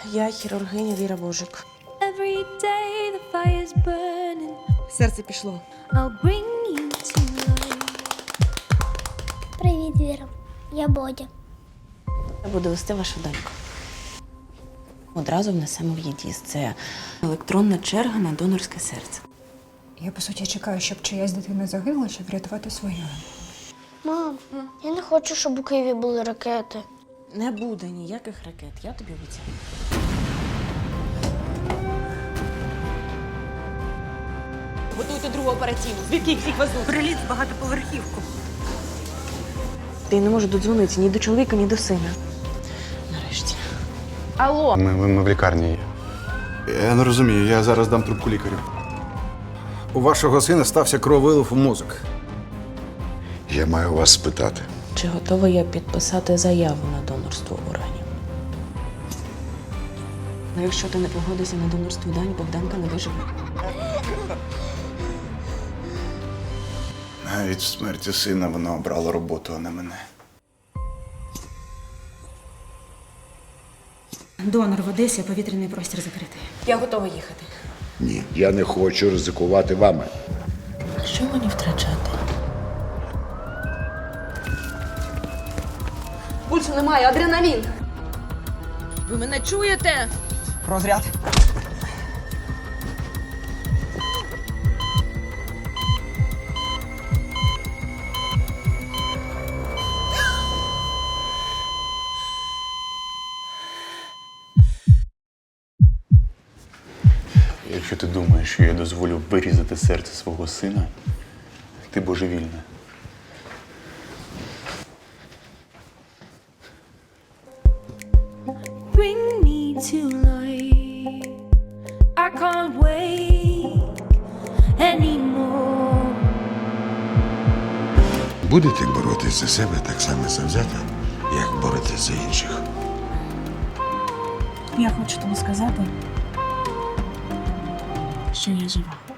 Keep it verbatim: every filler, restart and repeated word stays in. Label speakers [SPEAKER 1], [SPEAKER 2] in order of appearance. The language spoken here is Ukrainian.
[SPEAKER 1] Я хірургиня Віра Божик.
[SPEAKER 2] Every day the fire's burning.
[SPEAKER 1] Серце пішло.
[SPEAKER 2] I'll bring you to life.
[SPEAKER 3] Привіт, Віра. Я Бодя.
[SPEAKER 1] Я буду вести вашу доньку. Одразу внесемо в ЄДІС. Це електронна черга на донорське серце.
[SPEAKER 4] Я, по суті, чекаю, щоб чиясь дитина загинула, щоб врятувати свою.
[SPEAKER 3] Мам, я не хочу, щоб у Києві були ракети.
[SPEAKER 1] Не буде ніяких ракет, я тобі обіцяю. Готуйте другу операційну. Звідки їх всіх везуть?
[SPEAKER 5] Приліт в багатоповерхівку.
[SPEAKER 1] Ти не можу додзвонитися ні до чоловіка, ні до сина. Нарешті. Алло!
[SPEAKER 6] Ми, ми, ми в лікарні є.
[SPEAKER 7] Я не розумію, я зараз дам трубку лікарю. У вашого сина стався крововилив у мозок.
[SPEAKER 8] Я маю вас спитати.
[SPEAKER 1] Чи готова я підписати заяву на донорство органів? Ну, якщо ти не погодишся на донорство дань, Богданка не виживе.
[SPEAKER 7] Навіть в смерті сина вона обрала роботу, а не мене.
[SPEAKER 5] Донор в Одесі, повітряний простір закритий.
[SPEAKER 1] Я готова їхати.
[SPEAKER 8] Ні, я не хочу ризикувати вами.
[SPEAKER 1] А що мені втрачати? Пульсу немає, адреналін. Ви мене чуєте?
[SPEAKER 9] Розряд.
[SPEAKER 6] Якщо ти думаєш, що я дозволю вирізати серце свого сина, ти божевільна.
[SPEAKER 2] Bring me to life. I can't wait anymore.
[SPEAKER 8] Будете боротися за себе так само завзято, як боретеся за інших.
[SPEAKER 5] Я хочу тобі сказати, що я жива.